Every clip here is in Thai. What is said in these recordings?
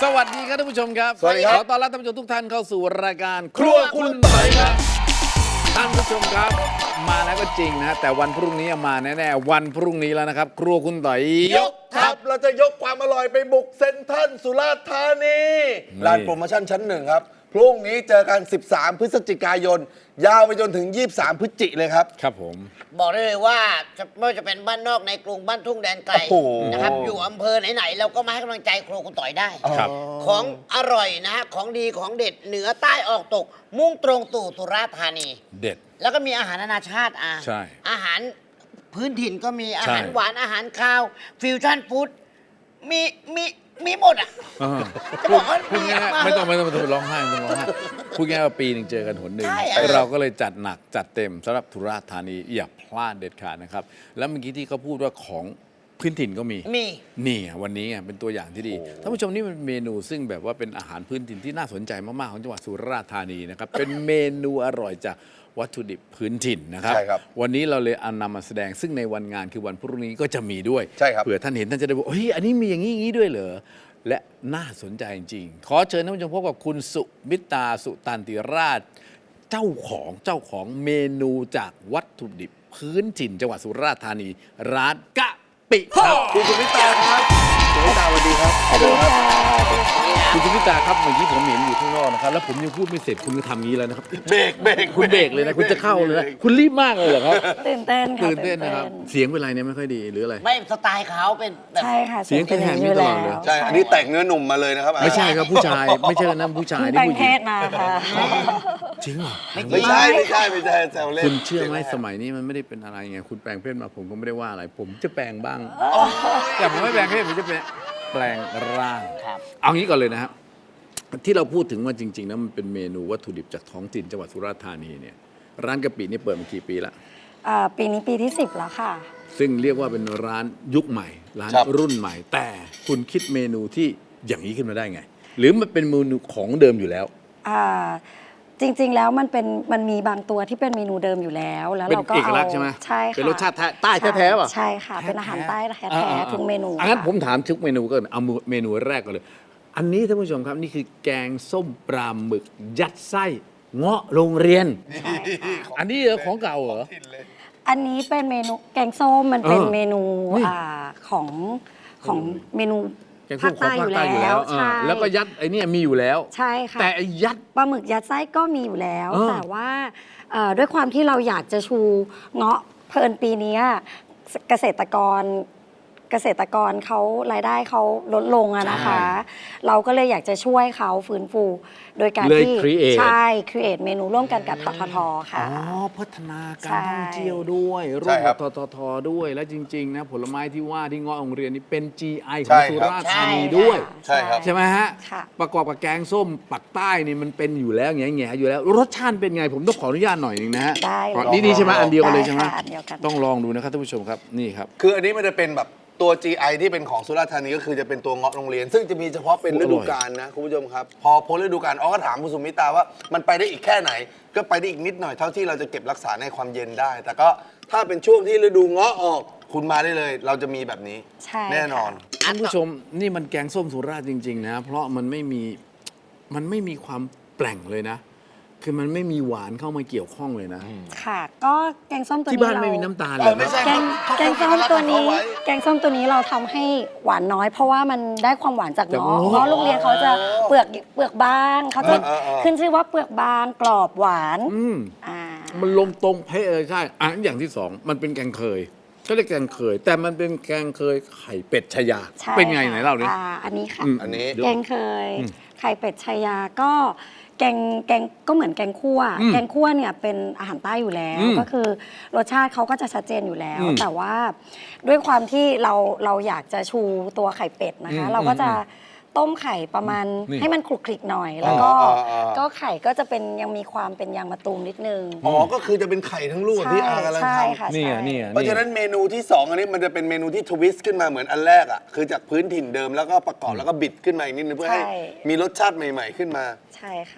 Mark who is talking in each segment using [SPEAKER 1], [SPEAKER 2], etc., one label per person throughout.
[SPEAKER 1] สวัสดีครับท่านผู้ชมครับ
[SPEAKER 2] สวัสดีครับ
[SPEAKER 1] ขอต้อนรับท่านผู้ชมทุกท่านเข้าสู่รายการครัวคุณต่อยครับท่านผู้ชมครับมาแล้วก็จริงนะแต่วันพรุ่งนี้มาแน่ๆวันพรุ่งนี้แล้วนะครับ ครัวคุณต่อยยก
[SPEAKER 2] ครับเราจะยกความอร่อยไปบุกเซ็นทรัลสุราษฎร์ธานีร้านโปรโมชั่นชั้นหนึ่งครับพรุ่งนี้เจอกัน 13 พฤศจิกายน ยาวไปจนถึง 23 พฤศจิเลยครับ
[SPEAKER 1] ครับผม
[SPEAKER 3] บอกได้เลยว่าไม่ว่าจะเป็นบ้านนอกในกรุงบ้านทุ่งแดนไกล
[SPEAKER 2] โอ้โห
[SPEAKER 3] นะครับอยู่อำเภอไหนๆเราก็มาให้กำลังใจครัวคุณต่อยได้
[SPEAKER 1] ครับ
[SPEAKER 3] ของอร่อยนะฮะของดีของเด็ดเหนือใต้ออกตก มุ่งตรงตู่สุราษฎร์ธานี
[SPEAKER 1] เด็ด
[SPEAKER 3] แล้วก็มีอาหารนานาชาติ
[SPEAKER 1] ใช่
[SPEAKER 3] อาหารพื้นถิ่นก็มีอาหาร
[SPEAKER 1] ใช่
[SPEAKER 3] หวานอาหารคาวฟิวชั่นฟู้ดมีหมดอ่ะ จะบอกว่า
[SPEAKER 1] พูดง่ายๆไม่ต้องร้องไห้ไม่ต้องร้องไห้พูดง่ายๆว่าปีหนึ่งเจอกันหนหนึ่ง
[SPEAKER 3] ใช่
[SPEAKER 1] เราก็เลยจัดหนักจัดเต็มสำหรับสุราษฎร์ธานีอย่าพลาดเด็ดขาดนะครับแล้วเมื่อกี้ที่เขาพูดว่าของพื้นถิ่นก็มี
[SPEAKER 3] มี
[SPEAKER 1] นี่ไงวันนี้ไงเป็นตัวอย่างที่ดีท่านผู้ชมนี่มันเมนูซึ่งแบบว่าเป็นอาหารพื้นถิ่นที่น่าสนใจมากๆของจังหวัดสุราษฎร์ธานีนะครับ เป็นเมนูอร่อยจากวัตถุดิบพื้นถิ่นนะครับ
[SPEAKER 2] ใช่ครับ
[SPEAKER 1] วันนี้เราเลยเอานำมาแสดงซึ่งในวันงานคือวันพรุ่งนี้ก็จะมีด้วย
[SPEAKER 2] ใช่ครับ
[SPEAKER 1] เผื่อท่านเห็นท่านจะได้บอกเฮ้ยอันนี้มีอย่างนี้อย่างนี้ด้วยเหรอและน่าสนใจจริงๆขอเชิญท่านผู้ชมพบกับคุณสุมิตาสุตันติราช เจ้าของเมนูจากวัตถุดิบพื้นถิ่นจังหวัดสุราษฎร์ธานีร้านกะปิครับ
[SPEAKER 2] คุณสุมิตาครับสุมิตาสวัสดีครับ
[SPEAKER 1] คุณสุมิตาครับเมื่อกี้ผมเห็นอยู่ข้างนอกนะครับแล้วผมยังพูดไม่เสร็จคุณก็ทำอย่างนี้แล้วนะครับ
[SPEAKER 2] เบรก
[SPEAKER 1] คุณเบรกเลยนะคุณจะเข้าเลยนะคุณรีบมากเลยเหรอครับ
[SPEAKER 4] ตื่นเต้นค่ะ
[SPEAKER 1] ตื่นเต้นนะครับเสียงเป็นไรเนี่ยไม่ค่อยดีหรืออะไร
[SPEAKER 3] ไม่สไตล์เขาเป็นแบบ
[SPEAKER 4] ใช่ค่ะ
[SPEAKER 1] เสียงแหบๆนี่ตลอดเลย
[SPEAKER 2] ใช่ อันนี้แต่งเนื้อหนุ่มมาเลยนะครับ
[SPEAKER 1] ไม่ใช่ครับผู้ชายไม่ใช่นั่นผู้ชาย
[SPEAKER 4] เพิ่ง
[SPEAKER 1] นี่
[SPEAKER 4] แปลง
[SPEAKER 1] ผู้ห
[SPEAKER 4] เพ
[SPEAKER 1] ญิง
[SPEAKER 4] ศมาค่ะ
[SPEAKER 1] จริงเหรอ
[SPEAKER 2] ไม่ใช่แซวเล่น
[SPEAKER 1] คุณเชื่อไหมสมัยนี้มันไม่ได้เป็นอะไรไงคุณแปลงเพศมาผมก็ไม่ได้ว่าอะไร ผมจะแปลงบ้างแต่ผมไม่แปลงเพศผมจะแปลงร่าง
[SPEAKER 3] ครับ
[SPEAKER 1] เอางี้ก่อนเลยนะครับที่เราพูดถึงว่าจริงๆนะมันเป็นเมนูวัตถุดิบจากท้องถิ่นจังหวัดสุราษฎร์ธานีเนี่ยร้านกะปินี่เปิดมากี่ปีละ
[SPEAKER 4] ปีนี้ปีที่ 10 แล้วค่ะ
[SPEAKER 1] ซึ่งเรียกว่าเป็นร้านยุคใหม่ ร้านรุ่นใหม่ แต่คุณคิดเมนูที่อย่างนี้ขึ้นมาได้ไง หรือมันเป็นเมนูของเดิมอยู่แล้ว
[SPEAKER 4] อ่าจริงๆแล้วมันมีบางตัวที่เป็นเมนูเดิมอยู่แล้ว แล้ว
[SPEAKER 1] เป็น
[SPEAKER 4] เราก็
[SPEAKER 1] เอก
[SPEAKER 4] เอา
[SPEAKER 1] ลักษณ์ใช่ไหม
[SPEAKER 4] ใช่ค่ะ
[SPEAKER 1] เป็นรสชาติใต้แท้ๆป่ะ
[SPEAKER 4] ใช่ค่ะ เป็นอาหารใต้แท้ๆทุกเมนู
[SPEAKER 1] งั้น
[SPEAKER 4] ค่ะ
[SPEAKER 1] ผมถามทุกเมนูก็เอาเมนูแรกก่อนเลย อันนี้ท่านผู้ชมครับนี่คือแกงส้มปลาหมึกยัดไส้เงาะโรงเรียน อันนี้เหรอของเก่าเหรอ
[SPEAKER 4] อันนี้เป็นเมนูแกงส้มมันเป็น
[SPEAKER 1] เออ
[SPEAKER 4] เมนู
[SPEAKER 1] นี่
[SPEAKER 4] ของเมนู
[SPEAKER 1] แกงส้มของภาคใต้อยู่แล้ว
[SPEAKER 4] ใช่
[SPEAKER 1] แล้วก็ยัดไอ้เนี่ยมีอยู่แล้ว
[SPEAKER 4] ใช่ค่ะ
[SPEAKER 1] แต่ไอ้ยัด
[SPEAKER 4] ปลาหมึกยัดไส้ก็มีอยู่แล้ว
[SPEAKER 1] เออ
[SPEAKER 4] แต่ว่าด้วยความที่เราอยากจะชูเงาะเพลินปีนี้เกษตรกรเขารายได้เขาลดลงอะนะคะ เราก็เลยอยากจะช่วยเขาฟื้นฟู โดยการ
[SPEAKER 1] เลย
[SPEAKER 4] ที่
[SPEAKER 1] create
[SPEAKER 4] ใช่ครีเอทเมนูร่วมกันกับทททค่ะ
[SPEAKER 1] อ๋อพัฒนาการ
[SPEAKER 4] ใช่
[SPEAKER 1] ท่องเที่ยวด้วยร่
[SPEAKER 2] ใช่
[SPEAKER 1] วม
[SPEAKER 2] ครั
[SPEAKER 1] กับบ ททด้วยและจริง ๆ นะ ผลไม้ที่ว่าที่เงาะโรงเรียนนี้เป็น GI ข
[SPEAKER 2] ใช่
[SPEAKER 1] อง
[SPEAKER 2] ครับ
[SPEAKER 1] สุราษฎร์ธานีด้วย
[SPEAKER 2] ใช่ครับ
[SPEAKER 1] ใช่ไหมฮะ
[SPEAKER 4] ค่ะ
[SPEAKER 1] ประกอบกับแกงส้มปักใต้นี่มันเป็นอยู่แล้วแง่ๆอยู่แล้ว รสชาติเป็นไงผมต้องขออนุญาตหน่อยหนึงนะฮะ
[SPEAKER 4] ได้เลย
[SPEAKER 1] นี่ใช่ไหมอันเดียวกันเลยใช่ไหม
[SPEAKER 4] ได้ค่ะอันเดียวกัน
[SPEAKER 1] ต้องลองดูนะครับท่านผู้ชมครับนี่ครับ
[SPEAKER 2] คืออันนี้มันจะเป็นแบบตัว GI ที่เป็นของสุราษฎร์ธานีก็คือจะเป็นตัวเงาะโรงเรียน ซึ่งจะมีเฉพาะเป็นฤดูกาลนะคุณผู้ชมครับ พอพ้นฤดูกาลก็ถามคุณสุมิตาว่ามันไปได้อีกแค่ไหน ก็ไปได้อีกนิดหน่อยเท่าที่เราจะเก็บรักษาในความเย็นได้ แต่ก็ถ้าเป็นช่วงที่ฤดูเงาะออกคุณมาได้เลย เราจะมีแบบนี้
[SPEAKER 4] ใช่
[SPEAKER 2] แน่นอน
[SPEAKER 1] ท่านผู้ชมนี่มันแกงส้มสุราษฎร์จริง ๆ นะ เพราะมันไม่มีความแปลงเลยนะ คือมันไม่มีหวานเข้ามาเกี่ยวข้องเลยนะ
[SPEAKER 4] ค่ะ ก็แกงส้มตัวนี้
[SPEAKER 1] ที่บ้าน
[SPEAKER 4] เร
[SPEAKER 1] ไม่มีน้ำตาลเล
[SPEAKER 2] เอย อไม่
[SPEAKER 1] นะ
[SPEAKER 2] ใช่
[SPEAKER 4] แกงส้มตัวนี้
[SPEAKER 2] เขาไว้
[SPEAKER 4] แกงส้มตัวนี้เราทำให้หวานน้อย เพราะว่ามันได้ความหวานจาก
[SPEAKER 1] จาก
[SPEAKER 4] เงาะ
[SPEAKER 1] เงาะ
[SPEAKER 4] เพราะโรงเรียนเขาจะเปลือกบางเขาจะ ขึ้นชื่อว่าเปลือกบางกรอบหวาน
[SPEAKER 1] อืม
[SPEAKER 4] อ่า
[SPEAKER 1] มันลงตรงเป๊ะเลยใช่อ่ะอย่างที่สองมันเป็นแกงเคยก็เรียกแกงเคย แต่มันเป็นแกงเคยไข่เป็ดชายา
[SPEAKER 4] ใช่
[SPEAKER 1] เป็นไง
[SPEAKER 4] ค่ะ
[SPEAKER 1] ไหนเล่าดิ
[SPEAKER 4] อันนี้ค่ะ
[SPEAKER 2] อันนี้
[SPEAKER 4] แกงเคย ไข่เป็ดชายาก็แกงก็เหมือนแกงคั่ว แกงคั่วเนี่ยเป็นอาหารใต้อยู่แล้ว ก็คือรสชาติเขาก็จะชัดเจนอยู่แล้ว แต่ว่าด้วยความที่เราอยากจะชูตัวไข่เป็ดนะคะ เราก็จะต้มไข่ประมาณให้มันคลุกคลิกหน่อย แล้วก็ก็ไข่ก็จะเป็นยังมีความเป็นยางมะตูมนิดนึง
[SPEAKER 2] อ๋อก็คือจะเป็นไข่ทั้งลูกที่อากำลัง
[SPEAKER 4] ใช่
[SPEAKER 2] ทำ
[SPEAKER 4] ค่ะ
[SPEAKER 1] นี่
[SPEAKER 4] ใช่
[SPEAKER 1] อ่ะนี่อ่ะ
[SPEAKER 2] เพราะฉะนั้นเมนูที่ 2 อันนี้มันจะเป็นเมนูที่ทวิสต์ขึ้นมาเหมือนอันแรกอ่ะคือจากพื้นถิ่นเดิมแล้วก็ประกอบแล้วก็บิดขึ้นมาอีกนิดนึงเพื่อให้
[SPEAKER 4] ใช่
[SPEAKER 2] มีรสชาติใหม่ ๆ ขึ้นมา
[SPEAKER 4] ใช่ค่ะ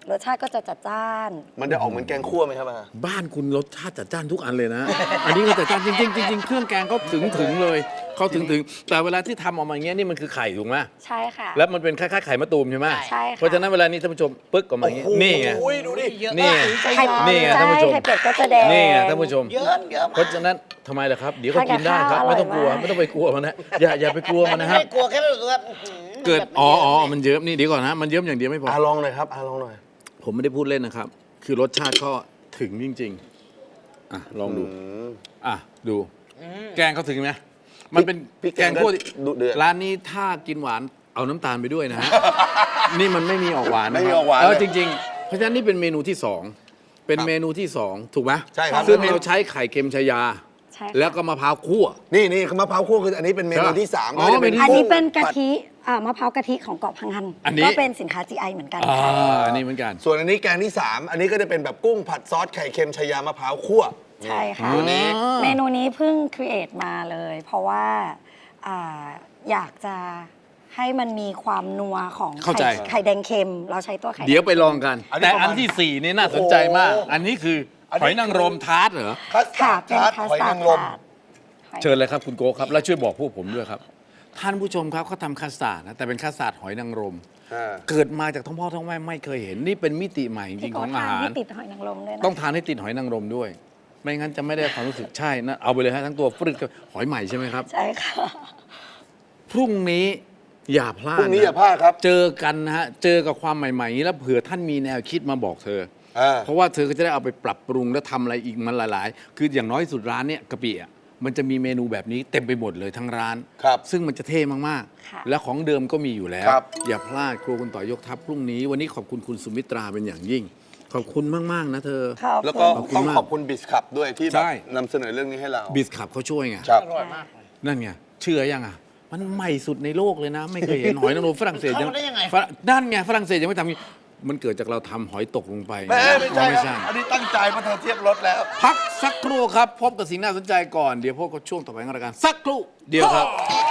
[SPEAKER 4] รสชาติก็จะจัดจ้าน
[SPEAKER 2] มันจะออกเหมือนแกงคั่วไหมครับอา
[SPEAKER 1] บ้านคุณรสชาติจัดจ้านทุกอันเลยนะ อันนี้ก็จัดจ้านจริงๆจริงๆเครื่องแกงเขาถึงเลยเขาถึงแต่เวลาที่ทำออกมาอย่างเงี้ยนี่มันคือไข่ถูกไหม
[SPEAKER 4] ใช่ค่ะ
[SPEAKER 1] แล้วมันเป็นคล้ายๆไข่มะตูมใช่ไหม
[SPEAKER 4] ใช่ค่ะ
[SPEAKER 1] เพราะฉะนั้นเวลานี้ท่านผู้ชมปึ๊กออกมาอย่างงี้นี่ไง
[SPEAKER 2] โอ้ยดูดิ
[SPEAKER 1] นี่ไง
[SPEAKER 4] ไข่
[SPEAKER 1] นี่ไงท่านผู้ชม
[SPEAKER 4] ไข่เป็ดก็จะแดง
[SPEAKER 1] นี่ไงท่านผู้ชม
[SPEAKER 3] เยอะเยอะ
[SPEAKER 1] เพราะฉะนั้นทำไมล่ะครับ เดี๋ยวก็กินได้ครับ
[SPEAKER 4] ทานกับข้าว
[SPEAKER 1] ไม่ต้องกลัว
[SPEAKER 4] อร่อยมาก
[SPEAKER 1] ไม่ต้องไปกลัวมันนะอย่าไปกลัวมันนะครับ
[SPEAKER 3] ไม่กลัวแค่รู้สึกว่า
[SPEAKER 1] เกิดมันเยิ้มนี่เดี๋ยวก่อนนะมันเยิ้มอย่างเดียวไม่พอ
[SPEAKER 2] ลองหน่อยครับลองหน่อย
[SPEAKER 1] ผมไม่ได้พูดเล่นนะครับ คือรสชาติก็ถึงจริงๆอ่ะลองดูอ่ะดูแกงเขาถึงไหมมันเป็น
[SPEAKER 2] พริก
[SPEAKER 1] แกงคั่ว
[SPEAKER 2] ดุเดือด
[SPEAKER 1] ร้านนี้ถ้ากินหวานเอาน้ำตาลไปด้วยนะฮะ นี่มันไม่มีออกหวานนะ
[SPEAKER 2] ไม่มี
[SPEAKER 1] ครั
[SPEAKER 2] ออกหวาน
[SPEAKER 1] เออ
[SPEAKER 2] เลย
[SPEAKER 1] จริงๆ เพราะฉะนั้นนี่เป็นเมนูที่สองเป็นเมนูที่สองถูกไหม
[SPEAKER 2] ใช่ครับ
[SPEAKER 1] ซึ่งเราใช้ไข่เค็มชายา
[SPEAKER 4] ใช่ค่ะ
[SPEAKER 1] แล้วก็มะพร้าวคั่ว
[SPEAKER 2] นี่มะพร้าวคั่วคืออันนี้เป็นเมนูที่ 3
[SPEAKER 1] อ๋อ
[SPEAKER 2] ก็จะเป็น
[SPEAKER 4] อันนี้เป็นกะ
[SPEAKER 2] ผัด
[SPEAKER 4] ทิมะพร้าวกะทิของเกาะพังงัน
[SPEAKER 1] อันนี้
[SPEAKER 4] ก็เป็นสินค้า GI เหมือนกัน
[SPEAKER 1] อ่า
[SPEAKER 4] ค่ะ
[SPEAKER 1] อันนี้เหมือนกัน
[SPEAKER 2] ส่วนอันนี้แกงที่ 3 อันนี้ก็จะเป็นแบบกุ้งผัดซอสไข่เค็มชายามะพร้าวคั่ว
[SPEAKER 4] ใช่ค่ะ
[SPEAKER 2] ตัวนี้
[SPEAKER 4] เมนูนี้เพิ่งครีเอทมาเลย เพราะว่าอ่าอยากจะให้มันมีความนัวของ
[SPEAKER 1] เข้าใจ
[SPEAKER 4] ไข่แดงเค็ม เราใช้ตัวไข่แดง
[SPEAKER 1] เดี๋ยวไปลองกัน
[SPEAKER 2] อันนี้
[SPEAKER 1] แต่
[SPEAKER 2] ประมาณ
[SPEAKER 1] อันที่สี่นี่น่าสนใจมาก
[SPEAKER 2] โอ้โห
[SPEAKER 1] อันนี้คืออน
[SPEAKER 2] นี้
[SPEAKER 1] หอยนางรมทาร์ตเหรอ
[SPEAKER 2] คัส
[SPEAKER 4] ค่ะ
[SPEAKER 2] ตาร์ด
[SPEAKER 4] เป็น
[SPEAKER 2] ทาร์ตหอยนางรม
[SPEAKER 4] หอย
[SPEAKER 1] เชิญเลยครับคุณโก้ครับ แล้วช่วยบอกพวกผมด้วยครับ ท่านผู้ชมครับเขาทำคัสตาร์ดนะแต่เป็นคัสตาร์ดหอยนางรม เกิดมาจากท้องพ่อท้องแม่ไม่เคยเห็น นี่เป็นมิติใหม่จริ
[SPEAKER 4] พี่
[SPEAKER 1] งๆ
[SPEAKER 4] โก้
[SPEAKER 1] ของอา
[SPEAKER 4] ทาน
[SPEAKER 1] หาร
[SPEAKER 4] ให้ติดหอยนางรมด้วยนะ
[SPEAKER 1] ต้องทานให้ติดหอยนางรมด้วย ไม่งั้นจะไม่ได้ความรู้สึกใช่นะเอาไปเลยฮะทั้งตัวฟรึกกับหอยใหม่ใช่ไหมครับ
[SPEAKER 4] ใช่ค่ะ
[SPEAKER 1] พรุ่งนี้อย่าพลาด
[SPEAKER 2] พรุ่งนี้
[SPEAKER 1] ะ
[SPEAKER 2] อย่าพลาดครับ
[SPEAKER 1] เจอกันนะฮะเจอกับความใหม่ๆอย่างนี้แล้วเผื่อท่านมีแนวคิดมาบอกเธอ
[SPEAKER 2] อ่า
[SPEAKER 1] เพราะว่าเธอก็จะได้เอาไปปรับปรุงและทำอะไรอีกมันหลาย ๆ คืออย่างน้อยสุดร้านเนี่ยกะปิอ่ะมันจะมีเมนูแบบนี้เต็มไปหมดเลยทั้งร้าน
[SPEAKER 2] ครับ
[SPEAKER 1] ซึ่งมันจะเท่มาก
[SPEAKER 4] ค่ะ
[SPEAKER 1] ๆ และของเดิมก็มีอยู่แล้ว
[SPEAKER 2] ครับ
[SPEAKER 1] อย่าพลาดครัวคุณต่อยกทัพพรุ่งนี้ วันนี้ขอบคุณคุณสุมิตราเป็นอย่างยิ่ง ขอบคุณมาก ๆ นะเธอ
[SPEAKER 4] ขอบ
[SPEAKER 2] แล้ว
[SPEAKER 4] คุ
[SPEAKER 2] ก็
[SPEAKER 4] ณ
[SPEAKER 1] ขอบคุณ
[SPEAKER 2] ต้อง
[SPEAKER 1] มาก
[SPEAKER 2] ขอบคุณบิสคับด้วยที่แบ
[SPEAKER 1] ใช่
[SPEAKER 2] บนำเสนอเรื่องนี้ให้เรา
[SPEAKER 1] บิสขับเขาช่วยไง
[SPEAKER 2] ครับ
[SPEAKER 1] นั่นไงเชื่อยังอ่ะ มันใหม่สุดในโลกเลยนะ ไม่เคยเห็นหอยนางรมฝรั่งเศส
[SPEAKER 3] เข้ามาได้ยังไง
[SPEAKER 1] นั่นไงฝรั่งเศสยังไม่ทำอย่างนี้มันเกิดจากเราทำหอยตกลงไป
[SPEAKER 2] ไม่ใช่
[SPEAKER 1] ไม่
[SPEAKER 2] ค
[SPEAKER 1] ใช่
[SPEAKER 2] รับอันนี้ตั้งใจเพราะเธอเทียบรถแล้ว
[SPEAKER 1] พักสักครู่ครับ พบกับสิ่งน่าสนใจก่อน เดี๋ยวพบกับช่วงต่อไปของรายการสักครู่เดียวครับ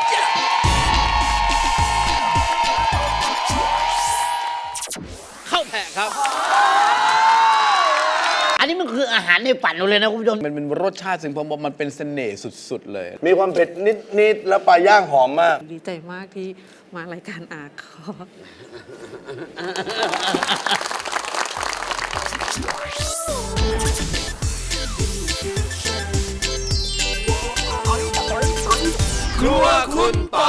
[SPEAKER 1] เข้าแผะครับ
[SPEAKER 3] อันนี้มันคืออาหารในฝันเราเลยนะคุณผู้ชม
[SPEAKER 1] มันเป็นรสชาติซึ่งผมบอกมันเป็นเสน่ห์สุด ๆ เลย
[SPEAKER 2] มีความเผ็ดนิดๆแล้วปลาย่างหอมมาก
[SPEAKER 5] ดีใจมากที่มารายการอาคอ
[SPEAKER 1] ครัวคุณต่อ